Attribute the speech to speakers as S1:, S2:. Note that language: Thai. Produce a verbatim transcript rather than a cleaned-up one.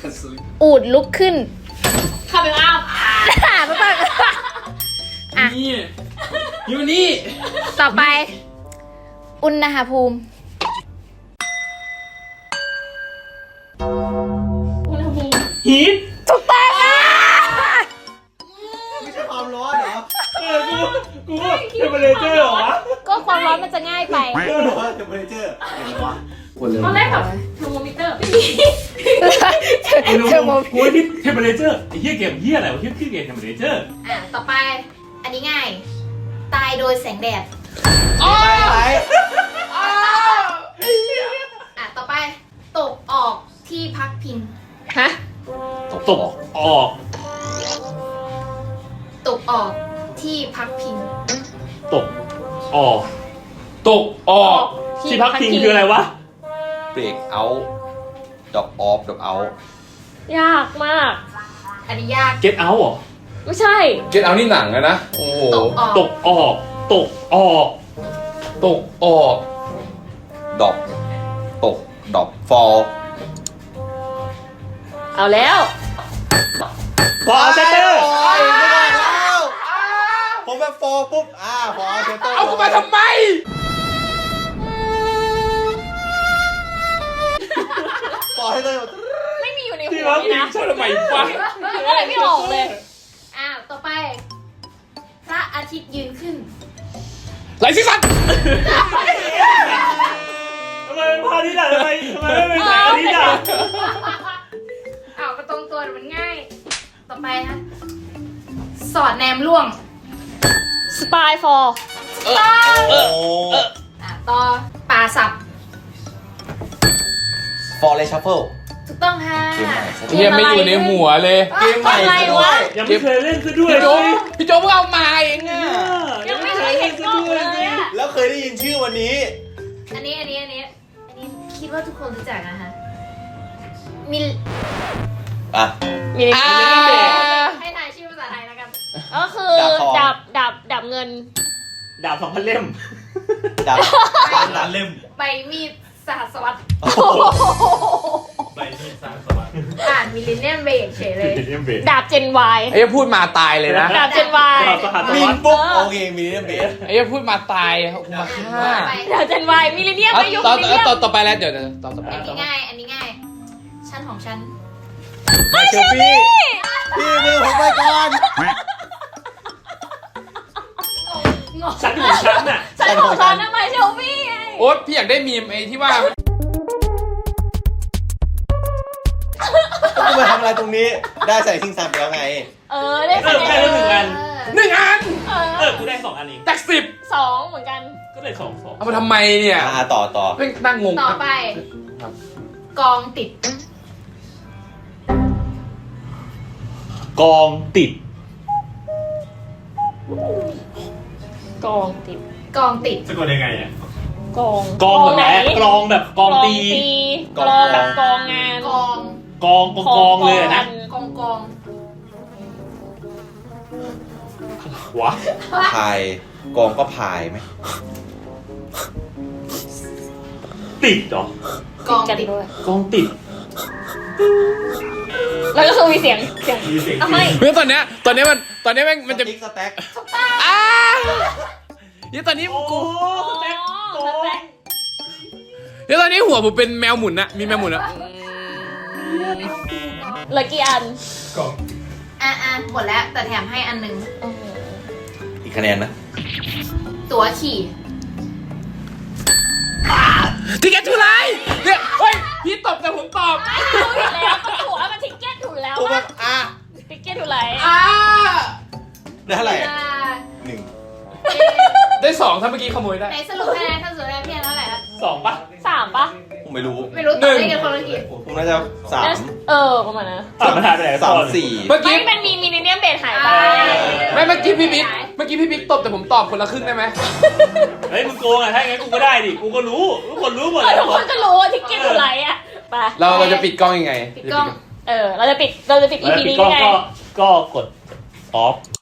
S1: อูดลุกขึ้น
S2: คาเมล่า
S1: อ่าไม่ต้องอ่ะ
S3: นี่อยู่นี่
S1: ต่อไป อุณหภูมิ
S2: อุณหภูมิ
S3: ฮีท
S1: ถูกต้องอ่ะ
S4: ไม่ใช่ความร้อนเหรอ
S3: เออกูกูว่าเทมเปอเรเจอร์เหรอวะ
S1: ก็ความร้อนมันจะง่ายไป
S4: เออเหรอเทมเปอเรเจอร์เห็นไหมวะคนเลย
S2: ตอนแรกแบบเทอร์โมมิเตอร์ไม่มี
S3: ไอ้รู้
S1: เทอร์โม
S3: กูว่าที่เทมเปอเรเจอร์ไอ้เหี้ยเกมเหี้ยอะไรวะที่ชื่อเกมเทมเปอเรเจอร์
S1: อ่ะต่อไป อันนี้ง่าย ตายโดยแสงแดด
S4: ไป
S1: อ่ะต่อไป ตกออกที่พักพิง
S2: ฮะ
S3: ตกออก
S1: ตกออกที่พักพิง
S3: ตกออกตกออกที่พักพิงคืออะไรวะ
S4: เบรกเอาดอกออฟดอกเอา
S2: ยากมาก
S1: อันนี้ยาก
S3: get out เหรอ
S2: ไม่ใช่
S5: เก็ตเอานี่หนังอะนะ โอ้โห
S1: ตกออก
S3: ตกออกตกออก
S5: ตกออก
S4: ดอกตกดอกฟอล
S2: เอาแล้ว
S3: พอเซนเตอร์
S4: ไม่ได้แล้วผมแบบฟอลปุ๊บอ่าฟอลเซนเตอร์
S5: เอากูมาทำไม
S4: ฟอลให้เลย
S2: ไม่มีอยู่ใน
S3: ที่
S2: หัว
S3: พัก
S2: นี่
S3: พิง
S2: นะ
S3: ชอบทำไมวะ
S2: คืออะไรไม่ออกเลย
S1: อ้าว ต่อไป พระอาทิตย์ยืนขึ้น
S5: ไหลซิสัน
S3: ทำไมเป็นพาทิตย์อ่ะทำไมทำไมไม่เป็นแสงอาทิตย์อ่ะ
S1: อ้าวมาตรงตัวมันง่าย ต่อไปนะ สอดแนมล่วง
S2: สปายฟอร์
S4: โอ้
S1: อ่ะต่อป่าสับ
S4: ฟอลเลยชัฟเฟิล
S1: ถูกต้องค่ะ
S4: เกมใหม่ซะด้
S5: เฮียไม่อยู่ในหัวเลย
S4: เกมใหม่ซะด้วย
S3: ยังไม่เคยเล่นซะด้วย
S5: พี่โจ๊ก
S3: เลย
S5: พี่โจ๊กเพิ่งเอามาเองอะ
S2: ยังไม่เคยเห็นกล้องเลยอะ
S4: แล้วเคยได้ยินชื่อวันนี้
S1: อันนี้ อันนี้ อันนี้ อันนี้คิดว่าทุกคนรู้จักนะคะมิล
S4: อ่ะ
S2: มีใน
S5: อ่า
S1: ให้ทายชื่อภาษาไทยแล้วกัน
S2: ก็คือ
S4: ดา
S2: ดั
S4: บบ ทอง
S2: ดับดับเงิน
S3: ดาบสองพันเล่ม
S4: ดาวล้านเล่ม
S1: ใบมีดสหัสวรรษ
S3: ใบมีดสามสวัสดิ์
S1: อ่านมิลเลนเนียมเบรกเฉยเลย
S3: เล่มเบร
S2: ดาบเจนวาย
S5: ไอ้เหี้ยพูดมาตายเลยนะ
S2: ดาบเจนวาย
S3: ดาบสหัสส
S4: มิ
S3: วัน สดิ์
S4: ปุ๊บโอเคมีเรื่องเบส
S5: ไอ้เหี้ยพูดมาตายเอากูมาฆ่า
S1: ไป
S2: ดาบเจนวายมิลเลนเนียม
S5: เอา
S2: ไม่ยุค
S5: ต่อ
S2: มิลเลนเนีย
S5: ต่อ
S2: ม
S5: ต่อไปแล้วเดี๋ยวเดี๋ยวต่อต่อไป
S1: อันนี้ง่าย อันนี้ง่าย ชั้นของฉัน
S4: ไม่เชลฟี่พี่มือผมไปก่อน
S3: ชั้นของชั้นน่ะ
S2: ฉันของฉันทำไมเชลฟี่ไง
S5: โอ๊ตพี่อยากได้มีมไอ้ที่ว่า
S4: ต้องมาทำอะไรตรงนี้ ได้ใส่ซิงซันไปแล้วไง
S2: เออได้
S3: เออแค่ได้หนึ่งอัน
S5: หนึ่งอัน
S2: เอ
S3: เอ
S2: อ
S3: อกูได้สองอันเอง
S5: จากสิบ
S2: สองเหมือนกัน
S3: ก็เลยสองสอง
S5: เอามาทำไมเนี่ย
S4: อ่าต่อต่อ
S5: ไม่นั่งงง
S1: ต่อไป
S5: ครับ
S1: กองติด
S3: กองติด
S2: กองติด
S1: กองติด
S3: สะกดยังไงอ่ะ
S2: กอง
S3: กองแบบไหนกลองแบบกองตี
S2: กลองแบบกองงาน
S1: กอง
S3: กองกองกองเลยอะนะ
S1: กองกอง
S3: วะ
S4: พายกองก็พายไหม
S3: ติดเหรอก
S1: อง
S2: กัน
S1: ติด
S2: ด้วย
S3: กองติด
S2: แล้วก็คือมีเสียงเสียง
S3: มีเสียง
S2: ทำไม
S5: เมื่อตอนเนี้ยตอนเนี้ยมันตอนเนี้ยมันมันจะ
S4: สติ๊กสแต็ก
S5: อ้าเดี๋ยวตอนนี้
S3: โอ้
S5: กู
S3: สแต็กโอ้
S5: เดี๋ยวตอนนี้หัวผมเป็นแมวหมุนนะมีแมวหมุนนะ
S2: เหลือกี่อัน
S3: กอง
S1: อ่ะอ่ะหมดแล้ว แต่แถมให้อันหนึง
S2: โอ้โห
S4: อีกคะแนนนะ
S1: ตั๋วขี่
S5: ทิกเก็ตทูไลน์เนี่ยเฮ้ยพี่ตอบแต่ผมตอบ
S2: ไม่รู้อยู่แล้วก็ถูกว่ามันทิกเก็ตถูกแล้ว
S4: ผมแบ
S2: ว่า
S4: บอ่ะ
S2: ทิกเก็ตถูกไร
S5: อ่า
S4: ได้เท่าไหร่
S1: เวลา
S4: หนึ่ง
S5: ได้สองถ้าเมื่อกี้ขโมยได้
S1: ไหนสรุปคะแนนถ้าสรุปคะแนนพี่แอนเท่าไหร่ครับ
S3: สองปะ
S2: สามปะ
S4: ผมไม่รู้
S1: ไม่รู้ตอบได้กันคนละกี่
S4: ผมน่าจะสาม
S2: เออประมาณนั้น
S3: สามมันหายไปไหน
S4: สาม
S3: ก่อน
S4: สี่
S5: เมื่อ
S2: ไม่
S5: กี้
S2: มันมีมิลเลนเนียมเบสหายไป
S5: ไม่เมื่อกี้พี่บิ๊กเมื่อกี้พี่บิ๊กตบแต่ผมตอบคนละครึ่งได้ไหม
S3: เฮ้ยมึงโกงอ่ะถ้าอย่างงั้นกูก็ได้ดิกูก็รู้ทุกคนรู้หมด
S2: เอ
S3: เล
S2: อย ทุกคนก็รู้ว่าทิกเก็ตถูกไรอ่ะไป
S5: เราเราจะปิดกล้องยังไง
S1: ปิดกล้อง
S2: เออเราจะปิดเราจะปิด
S3: แล้ว
S2: อี พี
S3: ปิด
S2: นี้
S3: กล้อง
S2: ยังไง
S3: ก็ก็กดออฟ